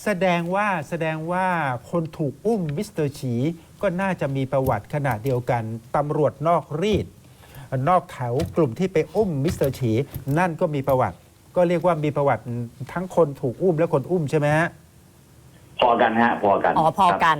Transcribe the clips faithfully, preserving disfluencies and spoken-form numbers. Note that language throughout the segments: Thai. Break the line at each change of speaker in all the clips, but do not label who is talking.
แสดงว่าแสดงว่าคนถูกอุ้มมิสเตอร์ฉีก็น่าจะมีประวัติขนาดเดียวกันตำรวจนอกรีดนอกแถวกลุ่มที่ไปอุ้มมิสเตอร์ฉีนั่นก็มีประวัติก็เรียกว่ามีประวัติทั้งคนถูกอุ้มและคนอุ้มใช่ไหมฮะ
พอกันฮะพอกัน
อ๋อพอกัน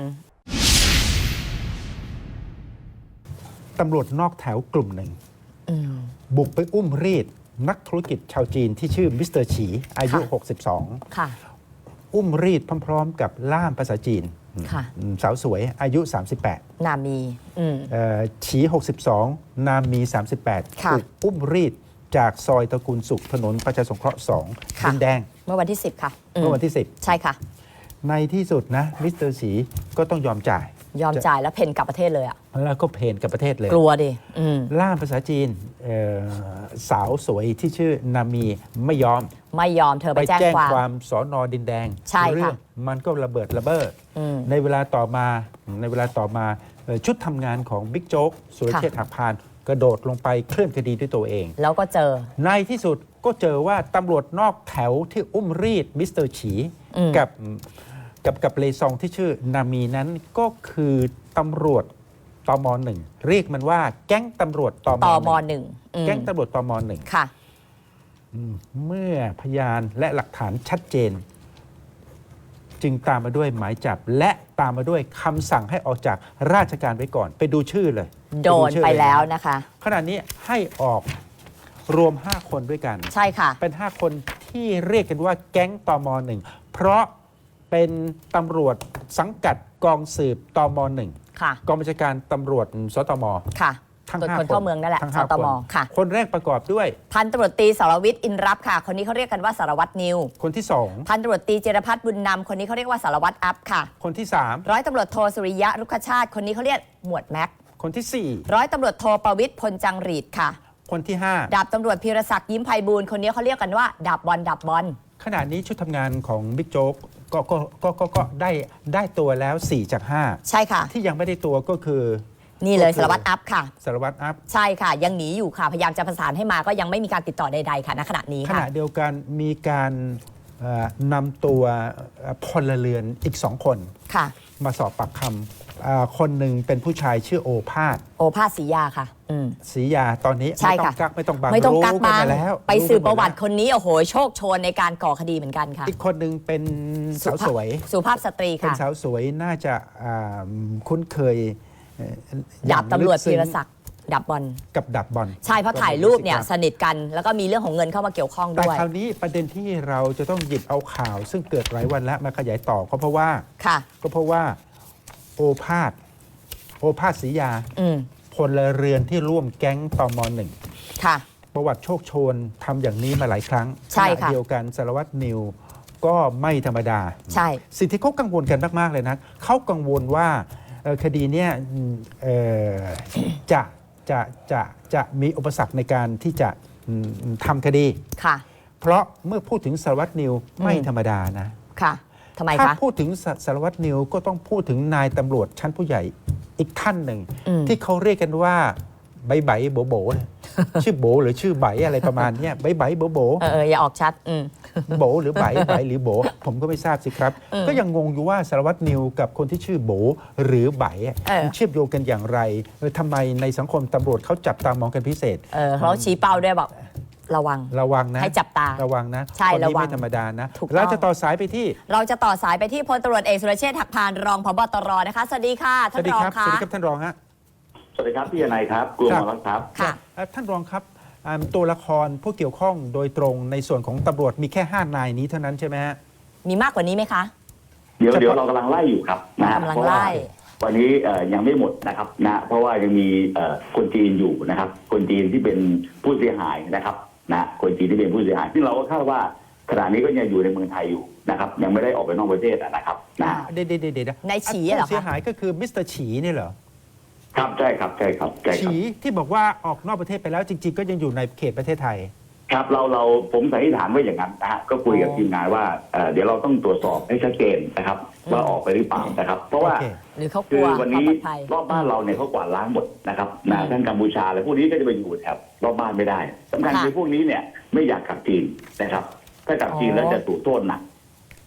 ตำรวจนอกแถวกลุ่มหนึ่งบุกไปอุ้มรีดนักธุรกิจชาวจีนที่ชื่อมิสเตอร์ฉีอายุหกสิบสอง
ค่ะ
อุ้มรีดพร้อมๆกับล่ามภาษาจีนสาวสวยอายุสามสิบแปด
นามี
ฉีหกสิบสองนามีสามสิบแปดถูกอุ้มรีดจากซอยตระกูลสุขถนนประชาสงเคราะห์สองดินแดง
เมื่อวันที่สิบค่ะ
เมื่อวันที่สิบ
ใช่ค่ะ
ในที่สุดนะมิสเตอร์ฉีก็ต้องยอมจ่าย
ยอมจ่ายแล้วเพนกลับประเทศเลยอ่ะ
แล้วก็เพนกลับประเทศเลย
กลัวดิ
ล่ามภาษาจีนสาวสวยที่ชื่อนามีไม่ยอม
ไม่ยอมเธอไปแจ้งความ
ความสอนอดินแดง
ใช่ค่ะ
มันก็ระเบิดระเบ้อในเวลาต่อมาในเวลาต่อมาชุดทำงานของบิ๊กโจ๊กสุรเชษฐ์หักพานกระโดดลงไปเคลื่อนคดีด้วยตัวเอง
แล้วก็เจอ
ในที่สุดก็เจอว่าตำรวจนอกแถวที่อุ้มรีดมิสเตอร์ฉีกับกับกับเลซองที่ชื่อนามีนั้นก็คือตำรวจตมหนึ่งเรียกมันว่าแก๊งตำรวจตม
หนึ่ง
แก๊งตำรวจตมหนึ่ง
ค่ะ
เมื่อพยานและหลักฐานชัดเจนจึงตามมาด้วยหมายจับและตามมาด้วยคำสั่งให้ออกจากราชการไว้ก่อนไปดูชื่อเลย
โดนไปแล้วนะคะ
ขณะนี้ให้ออกรวมห้าคนด้วยกัน
ใช่ค่ะ
เป็นห้าคนที่เรียกกันว่าแก๊งตมหนึ่งเพราะเป็นตำรวจสังกัดกองสืบตมหนึ่งกองบัญชาการตำรวจสตม
ค่ะทั้งห้าคนเข้าเมืองนั่นแหละสตมค่ะ
คนแรกประกอบด้วย
พันตำรวจตรีสรวิทย์อินรับค่ะคนนี้เขาเรียกกันว่าสารวัตรนิว
คนที่สอง
พันตำรวจตรีเจรพัฒน์บุญนำคนนี้เขาเรียกว่าสารวัตรอัพค่ะ
คนที่สาม
ร้อยตำรวจโทสุริยะรุกขชาติคนนี้เขาเรียกหมวดแม็ก
คนที่สี่
ร้อยตำรวจโทประวิทย์พลจังหรีดค่ะ
คนที่ห้า
ดาบตำรวจพีรศักดิ์ยิ้มไพบูลย์คนนี้เขาเรียกกันว่าดาบบอลดาบบอล
ขณะนี้ชุดทำงานของบิ๊กโจ๊กก็ก็ก็ก็ก็ได้ได้ตัวแล้วสี่จากห้า
ใช่ค่ะ
ที่ยังไม่ได้ตัวก็คือ
นี่เลยสารวัตรอัพค่ะ
สารวัตรอัพ
ใช่ค่ะยังหนีอยู่ค่ะพยายามจะประสานให้มาก็ยังไม่มีการติดต่อใดๆค่ะณขณะนี้
ขณะเดียวกันมีการนำตัวพลเรือนอีกสองคน
ค่ะ
มาสอบปากคำคนหนึ่งเป็นผู้ชายชื่อโอภาส
โอภาสศรียาค่ะ
ศรียาตอนนี้ไม่ต้องกักไม่ต้องบัง
ไม่ต้องกัก
บั
ง
แล้ว
ไปสืบประวัติคนนี้โอ้โหโชคโชนในการก่อคดีเหมือนกันค่ะ
อีกคนหนึ่งเป็นสาวสวย
สุภาพสตรีค่ะ
เป็นสาวสวยน่าจะคุ้นเคย
ดาบตำรวจพีรศักดิ์ดับบอล
กับดับบอล
ใช่เพราะถ่ายรูปเนี่ยสนิทกันแล้วก็มีเรื่องของเงินเข้ามาเกี่ยวข้องด้วย
แต่คราวนี้ประเด็นที่เราจะต้องหยิบเอาข่าวซึ่งเกิดหลายวันแล้วมาขยายต่อก็เพราะว่า
ค่ะ
ก็เพราะว่าโอภาสโอภาสศรียาพลเรือนที่ร่วมแก๊งตมหนึ่ง
ค่ะ
ประวัติโชคโชนทำอย่างนี้มาหลายครั้ง
ใช่ค่ะ
เดียวกันสารวัตรนิวก็ไม่ธรรมดา
ใช่
สิ่งที่เขากังวลกันมากๆเลยนะเขากังวลว่าคดีเนี้ยจะจะจะจะมีอุปสรรคในการที่จะทำคดี
ค่ะ
เพราะเมื่อพูดถึงสารวัตรนิวไม่ธรรมดานะ
ค่ะทำไมคะ
ถ้าพูดถึงสารวัตรนิวก็ต้องพูดถึงนายตำรวจชั้นผู้ใหญ่อีกท่านหนึ่งที่เขาเรียกกันว่าใบใบโบโบชื่อโบหรือชื่อใบอะไรประมาณนี้ใบใบโบโบ
เอออย่าออกชัด
โบหรือใบใบหรือโบผมก็ไม่ทราบสิครับก็ยังงงอยู่ว่าสารวัตรนิวกับคนที่ชื่อโบหรือใบเชื่อมโยงกันอย่างไรทำไมในสังคมตำรวจเขาจับตามองกันพิเศษ
เออเขาชี้เป้าด้วยบอกระวัง
ระวังนะ
ให้จับตา
ระวังนะ
ใช่ระวัง
ไม่ธรรมดานะเราจะต่อสายไปที่
เราจะต่อสายไปที่พลตำรวจเอกสุรเชษฐ์หักพานรองผบ.ตร.นะคะสวัสดีค่ะท่านรองค่ะ
สวัสดีครับท่านรองฮะ
สวัสดีครับพี่นายครับกลุ่มมาแล้วครับ
ค่ะ
ท่านรองครับตัวละครผู้เกี่ยวข้องโดยตรงในส่วนของตำรวจมีแค่ห้านายนี้เท่านั้นใช่ไหมฮะ
มีมากกว่านี้ไหมคะ
เดี๋ยวเดี๋ยวเรากำลังไล่อยู่ครับนะ
กำลังไล่
วันนี้ยังไม่หมดนะครับนะเพราะว่ายังมีคนจีนอยู่นะครับคนจีนที่เป็นผู้เสียหายนะครับนะคนจีนที่เป็นผู้เสียหายซึ่งเราก็คาดว่าขณะนี้ก็ยังอยู่ในเมืองไทยอยู่นะครับยังไม่ได้ออกไปนอกประเทศนะครับนะ
เดี๋ยวเดี๋ยวเดี๋ยว
ในฉีเหรอ
ผู้เสียหายก็คือมิสเตอร์ฉีนี่เหรอ
ครับใช่ครับใช่ครับ
ฉีที่บอกว่าออกนอกประเทศไปแล้วจริงๆก็ยังอยู่ในเขตประเทศไทย
ครับเราเราผมสันนิษฐานว่าอย่างนั้นนะฮะก็คุยกับทีมงานว่าเดี๋ยวเราต้องตรวจสอบให้ชัดเจนนะครับว่าออกไปหรือเปล่านะครับเพราะว่าคือวันนี้รอบบ้านเราเนี่ยเขากวาดล้างหมดนะครับนะท่านกัมพูชาอะไรพวกนี้ก็จะไปอยู่แถบรอบบ้านไม่ได้สำคัญคือพวกนี้เนี่ยไม่อยากกลับจีนนะครับถ้ากลับจีนแล้วจะถูกโทษหนัก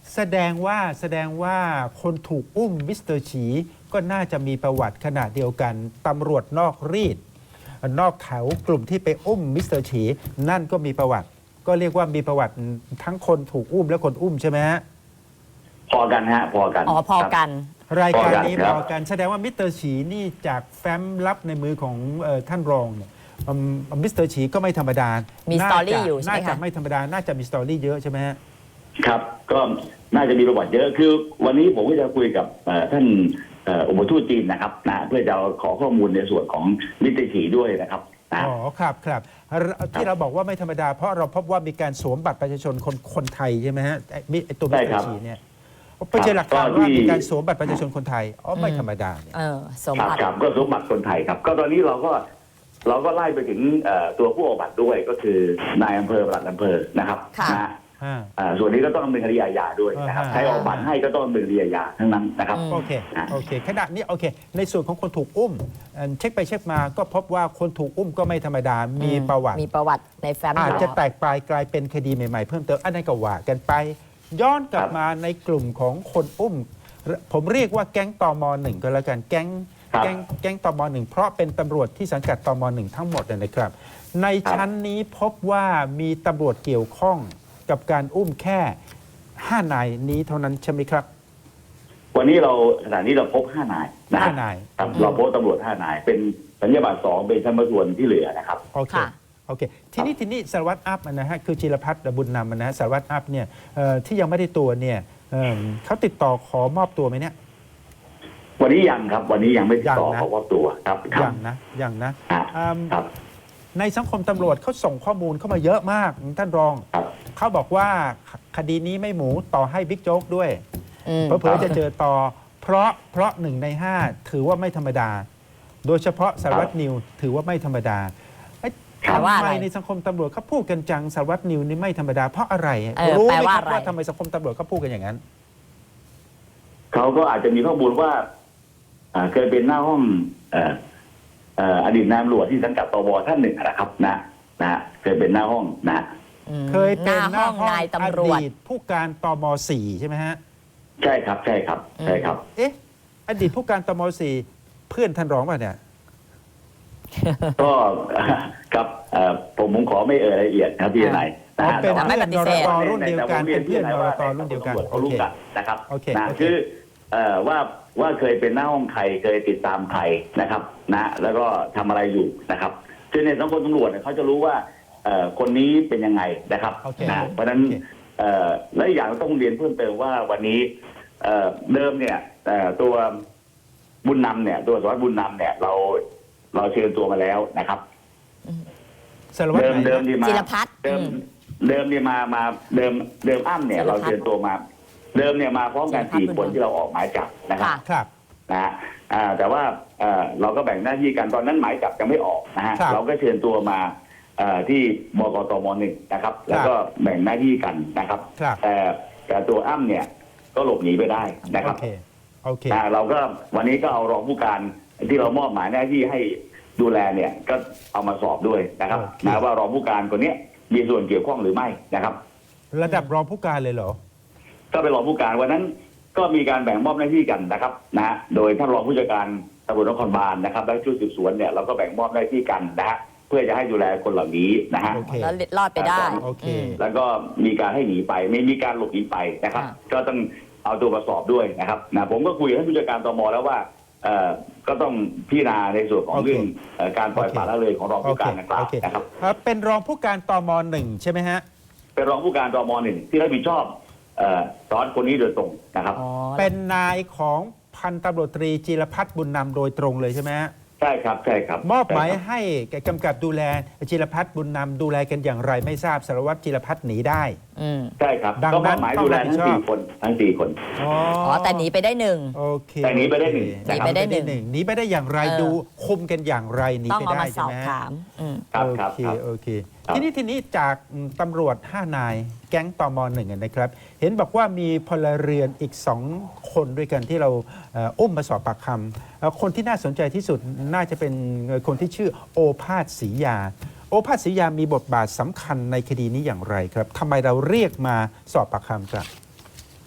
แสดงว่าแสดงว่าคนถูกอุ้มมิสเตอร์ฉีก็น่าจะมีประวัติขนาดเดียวกันตำรวจนอกรีดนอกแถวกลุ่มที่ไปอุ้มมิสเตอร์ฉีนั่นก็มีประวัติ ก็เรียกว่ามีประวัติทั้งคนถูกอุ้มและคนอุ้มใช่ไหมฮะ
พอกันฮะพอกัน
อ๋อพอกัน
รายการนี้
พ
พ
อ
อ
กัน
กันแสดงว่ามิสเตอร์ฉีนี่จากแฟ้มลับในมือของเอ่อท่านรองเนี่ยอืมมิสเตอร์ฉีก็ไม่ธรรมดา
มี
น่า
สตอรี่
จะ
อยู่ใช่ไหม
น่าจะ
คะ
ไม่ธรรมดา น่าจะมีสตอรี่เยอะใช่ไหมฮะ
ครับก็น่าจะมีประวัติเยอะคือวันนี้ผมก็จะคุยกับเอ่อท่านเอ่ออุปทูตจีนนะครับนะเพื่อจะขอข้อมูลในส่วนของมิสเตอร์ฉีด้วยนะครับนะ
อ๋อครับครับที่เราบอกว่าไม่ธรรมดา เพราะเราพบว่ามีการสวมบัตรประชาชนคนคนไทยใช่ไหมฮะไอ้มิไอ้ตัวมิสเตอร์ฉีเนี่ยไปเจอหลักฐานว่ามีการสวมบัตรประชาชนคนไทยอ๋อไม่ธรรมดาเนี่ย
เออสม
ครับ
บัติ
ครับก็สมบัติคนไทยครับ ก็ตอนนี้เราก็เราก็ไล่ไปถึงเอ่อตัวผู้ออกบัตรด้วยก็คือนายอำเภอปลัดอำเภอนะครับ
ค่ะ
นะ
อ่า
อ่าส่วนนี้ก็ต้องดำเนินคดีอาญาด้วยนะครับ
อ่า
ใครออกบัตรให้ก็ต้องดำเนินคดีอาญาทั้งนั้นนะครับ
โอเค โอเค ขณะนี้โอเค ในส่วนของคนถูกอุ้มเอ่อเช็คไปเช็คมาก็พบว่าคนถูกอุ้มก็ไม่ธรรมดา มีประวัติ
มีประวัติในแฟ้ม
อาจจะ
อยู่
แตกปลายกลายเป็นคดีใหม่ๆ เพิ่มเติม อันนั้นก็ว่ากันไป ย้อนกลับมาในกลุ่มของคนอุ้ม ผมเรียกว่าแก๊งตมหนึ่งก็แล้วกัน แก๊ง
ครับ
แก๊งแก๊งตมหนึ่งเพราะเป็นตำรวจที่สังกัดตมหนึ่งทั้งหมดเลยนะครับ ในชั้นนี้พบว่ามีตำรวจเกี่ยวข้องกับการอุ้มแค่ห้านายนี้เท่านั้นใช่ไหมครับ
วันนี้เราขณะนี้เราพบห้านายนะ
ห้านาย
ครับเราพบตำรวจห้านาย เป็นสัญญาบัตรสองเป็นชั้นประทวนที่เหลือนะครับ
โอเค
ค่ะ
โอเค ทีนี้ทีนี้สารวัตรอัพนะฮะ คือจิรพัฒน์บุญนำนะฮะ สารวัตรอัพเนี่ยเอ่อที่ยังไม่ได้ตัวเนี่ยเอิ่มเขาติดต่อขอมอบตัวไหมเนี่ย
วันนี้ยังครับ วันนี้ยังไม่ติดต่อ
ยังนะ
ขอมอบตัวครับครั
ยั
บ
งนะยังนะ
อ่า
อืม
ครับ
ในสังคมตำรวจเขาส่งข้อมูลเข้ามาเยอะมากท่านรอง
ครับ
เขาบอกว่าคดีนี้ไม่หมูต่อให้บิ๊กโจ๊กด้วย
อืม
เพราะเผื่อจะเจอต่อ เพราะเพราะหนึ่งในห้าถือว่าไม่ธรรมดา โดยเฉพาะสารวัตรนิวถือว่าไม่ธรรมดาเอ้ย
แปลว่า
ทำ
อะไร
ไมในสังคมตำรวจเขาพูดกันจังสารวัตรนิวนี่ไม่ธรรมดาเพราะอะไร
เออ
รู้
แปล
ไหม
ว่า
ครับ
อะไร
ว่าทำไมสังคมตำรวจเขาพูดกันอย่างนั้น
เขาก็อาจจะมีข้อมูลว่าอ่าเคยเป็นหน้าห้องเอ่อเอ่ออดีตนายตำรวจที่สังกัดตบท่านหนึ่งนะครับนะนะเคยเป็นหน้าห้องนะ
อืม
เคยเป็น
หน้าห้องนาย
อ
ตำรวจ
ดีตผู้การตมสี่ใช่ไหมฮะ
ใช่ครับใช่ครับใช่ครับ
เอ๊ะ อดีตผู้การตมสี่เพื่อนท่านรองป่ะเนี่ย
ก็ ครับเอ่อผมผมขอไม่เอ่ยรายละเอียดนะครับพี่นาย
อ๋อเป็น
แต่ว่า
ไม่
เพื่อน
ปฏิ
น
เส
ร
ธ
ตรุ่นเดียวกัน
แต่ผม
เป็นเพื่อน
รี
น
ย
ร
ว่า
ตรุ่นเดียวกัน
ตำรจเขารู้กันนะครับ
โอเค
นะ
โอเค
คือเอ่อว่าว่าเคยเป็นหน้าห้องใครเคยติดตามใครนะครับนะแล้วก็ทำอะไรอยู่นะครับคือในสังคมตำรวจเนี่ยเขาจะรู้ว่าเอ่อคนนี้เป็นยังไงนะครับ
โอเค
นะเพราะฉะนั้น
โอเค
เอ่อและอีกอย่างต้องเรียนเพิ่มเติมว่าวันนี้เอ่อเดิมเนี่ยเอ่อตัวบุญนำเนี่ยตัวสารวัตรบุญนำเนี่ยเราเราเชิญตัวมาแล้วนะครับ
สารวัตร
เดิม
ไหน
เดิม
นะ
ที่มา
จิรพัฒน์
เดิม
อืม
เดิมนี่มามาเดิมเดิมอ้ำเนี่ย
จิรพั
เรา
ฒน์
เชิญตัวมา เดิมเนี่ยมาพร้อมกัน
จิรพัฒน์
สี่
บุญ
คน
นำ
ที่เราออกหมายจับนะครับ
ค่ะ
ครับ
นะฮะอ่าแต่ว่าเอ่อเราก็แบ่งหน้าที่กันตอนนั้นหมายจับยังไม่ออกนะฮะ
ครับ
เราก็เชิญตัวมาเอ่อที่บกตมหนึ่งนะครับ แล้วก็แบ่งหน้าที่กันนะครับ
ครับ
แต่แต่ตัวอ้ำเนี่ยก็หลบหนีไปได้นะค
โอ
รับ
เค โอเค
นะเราก็วันนี้ก็เอารองผู้การที่เรามอบหมายหน้าที่ให้ดูแลเนี่ยก็เอามาสอบด้วยนะครับ
โอเค
นะว่ารองผู้การคนเนี้ยมีส่วนเกี่ยวข้องหรือไม่นะครับ
ระดับรองผู้การเลยเหรอ
ก็เป็นรองผู้การวันนั้นก็มีการแบ่งมอบหน้าที่กันนะครับนะฮะโดยท่านรองผู้จัดการตำรวจนครบาลนะครับและชุดสืบสวนเนี่ยเราก็แบ่งมอบหน้าที่กันนะฮะเพื่อจะให้ดูแลคนเหล่านี้นะฮะ
โอเค
แล้วรอดไปได้
โอเค
ม
แล้วก็มีการให้หนีไปไม่มีการหลบหนีไปนะครับ
อ่า
ก็ต้องเอาตัวมาสอบด้วยนะครับนะผมก็คุยกับท่านผู้จัดการตมแล้วว่าเอ่อก็ต้องพิจารณาในส่วนของ
โอเค
เรื่องเอ่อการปล่อย
โอเค
ปละละเลยของรอง
โอ
ผู้
เค
การดังกล่า
โอ
ว
เค
นะครับ
เอ่อเป็นรองผู้การตมหนึ่งใช่ไหมฮะ
เป็นรองผู้การตมหนึ่งที่รับผิดชอบเอ่อสอนคนนี้โดยตรงนะครับ
อ๋อ
เป็นนายของพันตำรวจตรีจิรพัฒน์บุญนำโดยตรงเลยใช่ไหมฮะ
ใช่ครับใช่ครับ
มอบหมาย
ใช่ครับ
ให้แกกำกับดูแลจิรพัฒน์บุญนำดูแลกันอย่างไรไม่ทราบสารวัตรจิรพัฒน์หนีได้
อืม
ใช่ครับ
ดัง
ก็ม
นั้
อบ
น
หมาย
ต้อง
ดูแล
รับผิ
ทั้
ด
ง
ชอบ
สี่คนทั้งสี่คน
อ๋อ
อ๋อ แต่หนีไปได้หนึ่ง
โอเค
แต่หนีไปได้หนึ่ง
โอเค
หนีไปได้หนึ่ง
หนีไปได้อย่างไร
เออ
ดูคุมกันอย่างไรหนี
ต้อง
ไป
เอา
ได้
มาส
ใช่
อบ
ไหมฮะ
ถามอืม
ครับ
โอ
ครับ
เค
ครับ
โอเค
ครับ
ทีนี้ทีนี้จากอืมตำรวจห้านาย แก๊งตมหนึ่งนะครับ เห็นบอกว่ามีพลเรือนอีกสองคนด้วยกันที่เราเอ่ออุ้มมาสอบปากคำเอ่อคนที่น่าสนใจที่สุดน่าจะเป็นคนที่ชื่อโอภาสศรียา โอภาสศรียามีบทบาทสำคัญในคดีนี้อย่างไรครับทำไมเราเรียกมาสอบปากคำครับ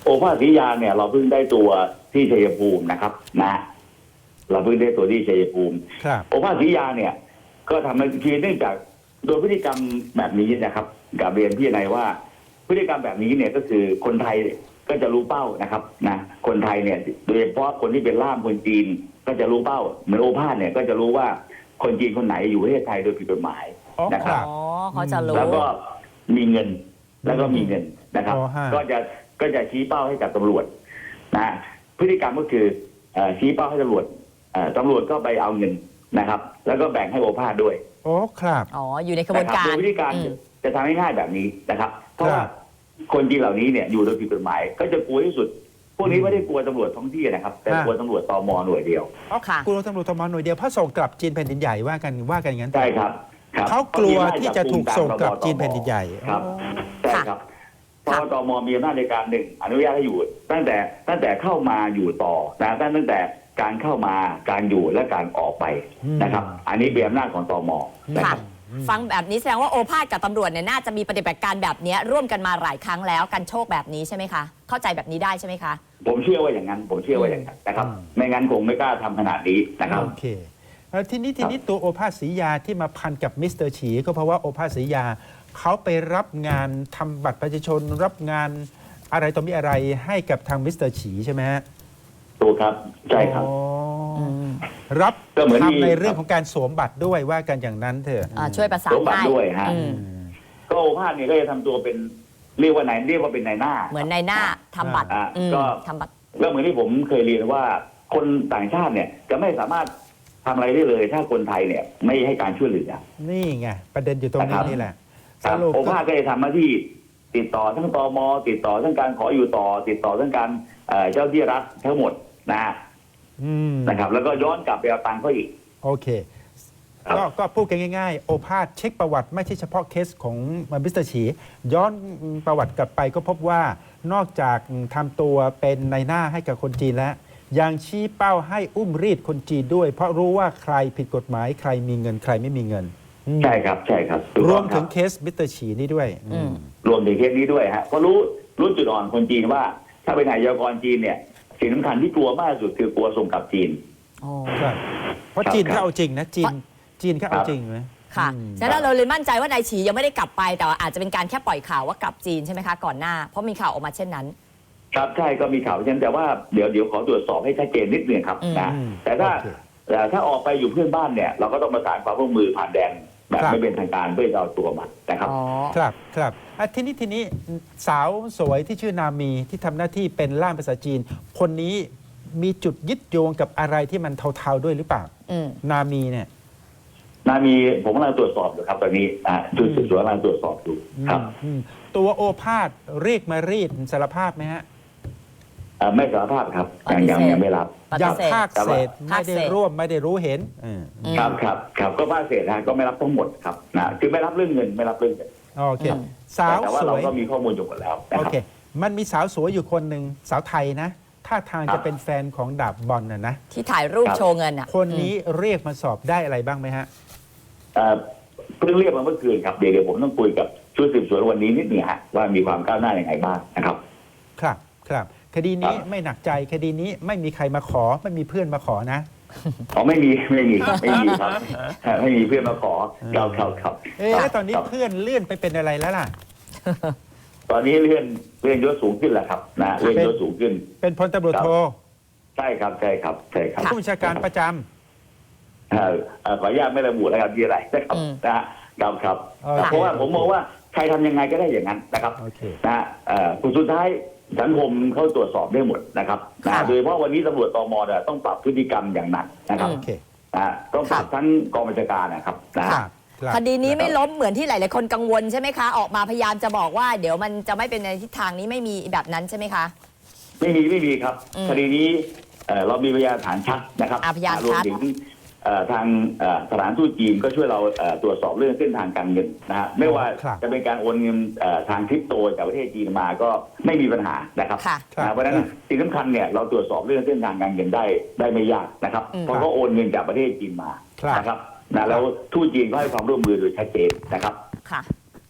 โอภาสศรียาเนี่ยเราเพิ่งได้ตัวที่ชัยภูมินะครับนะเราเพิ่งได้ตัวที่ชัยภูมิ
ครับ
โอภาสศรียาเนี่ยก็ทำให้คือเนื่องจากโดยพฤติกรรมแบบนี้นะครับกับเรียนพี่นายว่าพฤติกรรมแบบนี้เนี่ยก็คือคนไทยก็จะรู้เป้านะครับนะคนไทยเนี่ยโดยเฉพาะคนที่เป็นล่ามคนจีนก็จะรู้เป้าเหมือนโอภาสเนี่ยก็จะรู้ว่าคนจีนคนไหนอยู่ประเทศไทยโดยผิดกฎหมาย
อ๋อ
นะค
ค
รั
รั
บบ
อ๋อเขาจะรู้
แล้วก็มีเงินแล้วก็มีเงินนะครับ
อ๋อฮะ
ก็จะก็จะชี้เป้าให้กับตำรวจนะพฤติกรรมก็คือเอ่อชี้เป้าให้ตำรวจเอ่อตำรวจก็ไปเอาเงินนะครับ แล้วก็แบ่งให้โอภาสด้วย
โอ้ครับ
อ๋อ อยู่ในกระบวนการ
โดยวิธีการ
อืม
จะทำให้ง่ายแบบนี้นะครับ เพราะ
ครั
ว่า
บ
คนจีนเหล่านี้เนี่ยอยู่โดยผิดกฎหมาย ก็จะกลัวที่สุด พวกนี้ไม่ได้กลัวตำรวจท้องที่นะครับ แต่
อ่าก
ลัวตำรวจตมหน่วยเดียว
อ๋อ
ค่ะ
กลัวตำรวจทมหน่วยเดียวเพราะส่งกลับจีนแผ่นดินใหญ่ว่ากันว่ากันอย่างนั้น
ใช่ครับครับ
เขากลัวที่จะถูกส่งกลับจีนแผ่นดินใหญ่
ครับ ใช่ครับเพราะว่าตมมีอำนาจในการหนึ่งอนุญาตให้อยู่ ตั้งแต่ตั้งแต่เข้ามาอยู่ต่อนะตั้งตั้งแต่การเข้ามาการอยู่และการออกไปนะครับ อันนี้เป็นอำนาจของตมนะค
ค่ะ
รับ
ฟังแบบนี้แสดงว่าโอภาสกับตำรวจเนี่ยน่าจะมีปฏิบัติการแบบนี้ร่วมกันมาหลายครั้งแล้วกันโชคแบบนี้ใช่ไหมคะ เข้าใจแบบนี้ได้ใช่ไหมคะ
ผมเชื่อว่าอย่างนั้น ผมเชื่อว่าอย่างนั้นนะครับ
อืม
ไม่งั้นคงไม่กล้าทำขนาดนี้นะครับ
โอเคเอ่อทีนี้ทีนี้ตัวโอภาสศรียาที่มาพันกับมิสเตอร์ฉีก็เพราะว่าโอภาสศรียาเขาไปรับงานทำบัตรประชาชนรับงานอะไรต่อมีอะไรให้กับทางมิสเตอร์ฉีใช่ไหมฮะ
ถูกครับใช่ครับ
อ๋ออ
ม
รับ
ก็เหมือนที่
ทำในเรื่องของการสวมบัตรด้วยว่ากันอย่างนั้นเถอะ
อ่าช่วยประสาน
สมบัติ
ให้
ด้วยฮะ
อืม
ก็โอภาสเนี่ยก็จะทำตัวเป็นเรียกว่าไหนเรียกว่าเป็นนายหน้า
เหมือนในหน้าทำบัตร
อ่า
อืม
ก็
ทำบัตร
ก็เหมือนที่ผมเคยเรียนว่าคนต่างชาติเนี่ยจะไม่สามารถทำอะไรได้เลย ถ้าคนไทยเนี่ยไม่ให้การช่วยเหลือ
นี่ไงประเด็นอยู่ตรงนี้
นะครับ
นี่แหละ
ค
ส
รับ
รุป
โอ
ก็
ภาสก็จะทำหน้าที่ติดต่อทั้งตมติดต่อทั้งการขออยู่ต่อ ติดต่อทั้งการเอ่อเจ้าที่รัฐทั้งหมดนะฮะ
อืม
นะครับ แล้วก็ย้อนกลับไปเอาตังค์เขาอีก
โอเค
ครับ
ก็ก็พูดกันง่ายๆ โอภาสเช็คประวัติไม่ใช่เฉพาะเคสของมิสเตอร์ฉี ย้อนประวัติกลับไปก็พบว่านอกจากทำตัวเป็นในหน้าให้กับคนจีนแล้ว ยังชี้เป้าให้อุ้มรีดคนจีนด้วย เพราะรู้ว่าใครผิดกฎหมายใครมีเงินใครไม่มีเงินอืม
ใช่ครับใช่ครับถูก
ร
ต้
ว
อ
ม
ค
ถึ
บ
งเคสมิสเตอร์ฉีนี่ด้วย
อืม
รวมถึงเคสนี้ด้วยฮะเพราะรู้รู้จุดอ่อนคนจีนว่า ถ้าเป็นนายกรจีนเนี่ยสิ่งสำคัญที่กลัวมากที่สุดคือกลัวส่งกลับจีน
อ๋อ
ครับเพราะ
ครับ
จีน
ครับ
เขาเอาจริงนะจีนจีนเขาเอาจริงไหม
ค่ะ
อืม
ฉะนั้นเราเลยมั่นใจว่านายฉียังไม่ได้กลับไป แต่ว่าอาจจะเป็นการแค่ปล่อยข่าวว่ากลับจีนใช่ไหมคะก่อนหน้า เพราะมีข่าวออกมาเช่นนั้น
ครับใช่ก็มีข่าวเช่นแต่ว่าเดี๋ยวเดี๋ยวขอตรวจสอบให้ชัดเจนนิดนึงครับ
อืม
นะ
อืม
แต่ถ้า
โอเค
แต่ถ้าออกไปอยู่เพื่อนบ้านเนี่ย เราก็ต้องประสานความร่วมมือผ่านแดนแบบ
ครับ
ไม่เป็นทางการเพื่อจะเอาตัวมันนะครับ
อ๋อ
ครับครับอ่ะทีนี้ทีนี้สาวสวยที่ชื่อนามีที่ทำหน้าที่เป็นล่ามภาษาจีน คนนี้มีจุดยึดโยงกับอะไรที่มันเทาๆด้วยหรือเปล่า
อืม
นามีเนี่ย
นามีผมกำลังตรวจสอบอยู่ครับตอนนี้อ่าชุดสืบสวนกำลังตรวจสอบอยู่ครับ
อืมตัวโอภาสเรียกมารีดสารภาพไหมฮะ
อ่าไม่สารภาพครับยังยังยังไม่รับ
ปฏิ
ยัง
เสธ
ภาคเศษ
ภา
ไม่
ค
ได้
เศษ
ร่วมไม่ได้รู้เห็นอืม
อืม
ครับครับครับก็ภาคเศษนะก็ไม่รับทั้งหมดครับนะคือไม่รับเรื่องเงินไม่รับเรื่องเงิน
โอเค
อืม
สาว
แต่ว่า
ส
เรา
วย
ก็มีข้อมูลอยู่หมดแล้วนะ
โอ
ครับ
เค มันมีสาวสวยอยู่คนหนึ่งสาวไทยนะท่าทาง
ครั
จะ
บ
เป็นแฟนของดาบบอลนะนะ
ที่ถ่ายรูป
ครับ
โชว์เงินอ่ะ
คนนี้เรียกมาสอบได้อะไรบ้างไหมฮะ
เอ่อเพิ่งเรียกมาเมื่อคืนครับเดี๋ยวเดี๋ยวผมต้องคุยกับชุดสืบสวนวันนี้นิดหนึงฮะว่ามีความก้าวหน้าอย่างไรบ้างนะครับ
ครับครับคดีนี้
ครับ
ไม่หนักใจคดีนี้ไม่มีใครมาขอไม่มีเพื่อนมาขอนะ
อ๋อไม่มีไม่มีไม่มีครับไม่มีเพื่อนมาขอเราเขาครับ
เอ๊ะ
ครับ
แล้วตอนนี้
ครับ
เพื่อนเลื่อนไปเป็นอะไรแล้วล่ะ
ตอนนี้เลื่อนเลื่อนยศสูงขึ้นแล้วครับนะเลื่อนยศสูงขึ้น
เป็นพลตำรวจโท
ใช่ครับใช่ครับใช่ครับ
ผู้บัญชาการประจำ
เอ่อเอ่อขออนุญาตไม่ระบุแล้วครับที่อะไรนะครับ
อืม
นะฮะครับครับ
โอเค
เพราะว่าผมมองว่าใครทำยังไงก็ได้อย่างนั้นนะครับ
โอเค
นะฮะเอ่อสุดท้ายสังคมเขาตรวจสอบได้หมดนะครับนะ
ค่ะ
โดยเฉพาะวันนี้ตำรวจตมเนี่ยต้องปรับพฤติกรรมอย่างหนักนะครับ
โอเค
นะฮะต้องปรับทั้งกองบัญชาการนะครับนะ
ค
ฮะ
รับครับ
คดีนี้ไม่ล้มเหมือนที่หลายๆคนกังวลใช่ไหมคะ ออกมาพยายามจะบอกว่าเดี๋ยวมันจะไม่เป็นในทิศทางนี้ไม่มีแบบนั้นใช่ไหมคะ
ไม่มีไม่มีครับ
อืม
คดีนี้เอ่อเรามีพยานฐานชัดนะครับ
อ่ะพยาน
รวม
ชัด
ถึงเอ่อทางเอ่อสถานทูตจีนก็ช่วยเราเอ่อตรวจสอบเรื่องเส้นทางการเงินนะฮะไม่ว่า
ครับ
จะเป็นการโอนเงินเอ่อทางคริปโตจากประเทศจีนมาก็ไม่มีปัญหานะครับ
ค่ะ
ครับ
นะเพราะฉะนั้นสิ่งสำคัญเนี่ยเราตรวจสอบเรื่องเส้นทางการเงินได้ได้ไม่ยากนะครับ
อืม
เพราะเขาโอนเงินจากประเทศจีนมา
ครับ
นะครับนะแล้วทูตจีนก็ให้ความร่วมมือโดยชัดเจนนะครับ
ค่ะ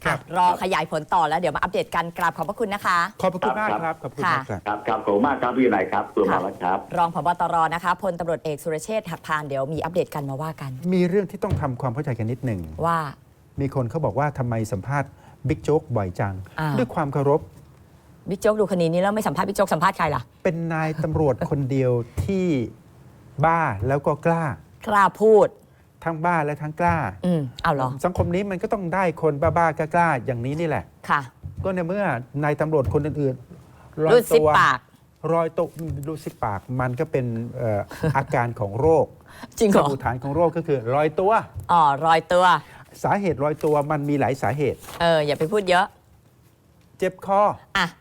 ครับ
อ่ะรอขยายผลต่อแล้วเดี๋ยวมาอัปเดตกันกราบขอบพระคุณนะคะ
ขอบพระคุณมากครับขอบคุณมากครับ
ครับครับขอบคุณมากครับพี่นายครับตัวมาแล้วครับ
รองผบตรนะคะพลตำรวจเอกสุรเชษฐ์หักพานเดี๋ยวมีอัปเดตกันมาว่ากัน
มีเรื่องที่ต้องทำความเข้าใจกันนิดหนึ่ง
ว่า
มีคนเขาบอกว่าทำไมสัมภาษณ์บิ๊กโจ๊กบ่อยจัง
อ่า
ด้วยความเคารพ
บิ๊กโจ๊กดูคดีนี้แล้วไม่สัมภาษณ์บิ๊กโจ๊กสัมภาษณ์ใครล่ะ
เป็นนายตำรวจคนเดียวที่บ้าแล้วก็กล้า
กล้าพูด
ทั้งบ้าและทั้งกล้า
อืมเอาเหรอ
สังคมนี้มันก็ต้องได้คนบ้าๆกล้าๆอย่างนี้นี่แหละ
ค่ะ
ก็ในเมื่อนายตำรวจคนอื่นๆ
รูดซิปปาก
รอยตัวรูดซิปปากมันก็เป็นเอ่อ อาการของโรค
จริงเหรอ
สมุฏฐานของโรคก็คือรอยตัว
อ๋อรอยตัว
สาเหตุรอยตัวมันมีหลายสาเหตุ
เอออย่าไปพูดเยอะ
เจ็บคอ
อ่ะ